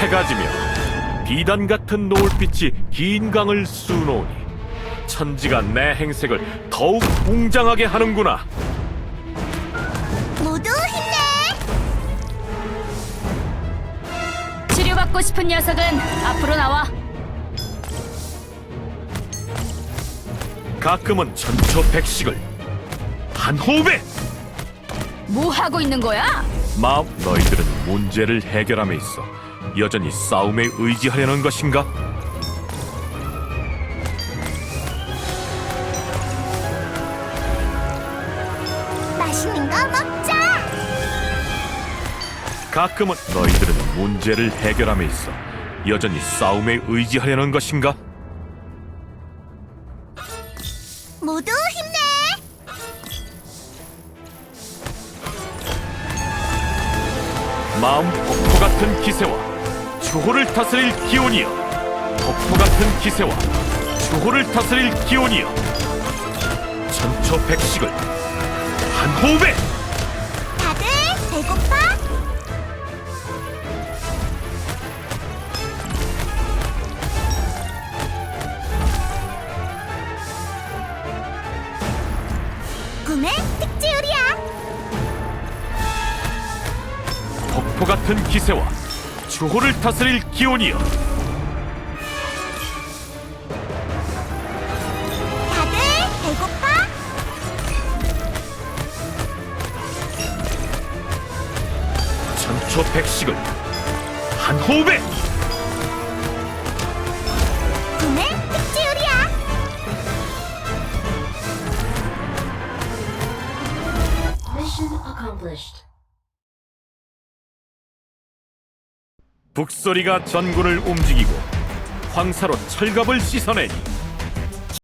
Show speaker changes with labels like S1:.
S1: 해가 지며 비단 같은 노을빛이 긴 강을 수놓으니 천지가 내 행색을 더욱 웅장하게 하는구나.
S2: 모두 힘내!
S3: 치료받고 싶은 녀석은 앞으로 나와.
S1: 가끔은 천초백식을 한 호흡에.
S3: 뭐 하고 있는 거야?
S1: 마음, 너희들은 문제를 해결함에 있어 여전히 싸움에 의지하려는 것인가?
S2: 맛있는 거 먹자!
S1: 가끔은 너희들은 문제를 해결함에 있어 여전히 싸움에 의지하려는 것인가?
S2: 모두 힘내!
S1: 마음 폭포 같은 기세와 주호를 다스릴 기운이여, 폭포 같은 기세와 주호를 다스릴 기운이여, 천초백식을 한 호흡에.
S2: 다들 배고파? 꿈의 특지요리야!
S1: 폭포 같은 기세와 주호를 다스릴 기운이여,
S2: 다들 배고파?
S1: 천초백식을 한 호흡에.
S2: 꿈의 특지요리야!
S4: Mission accomplished.
S1: 북소리가 전군을 움직이고 황사로 철갑을 씻어내니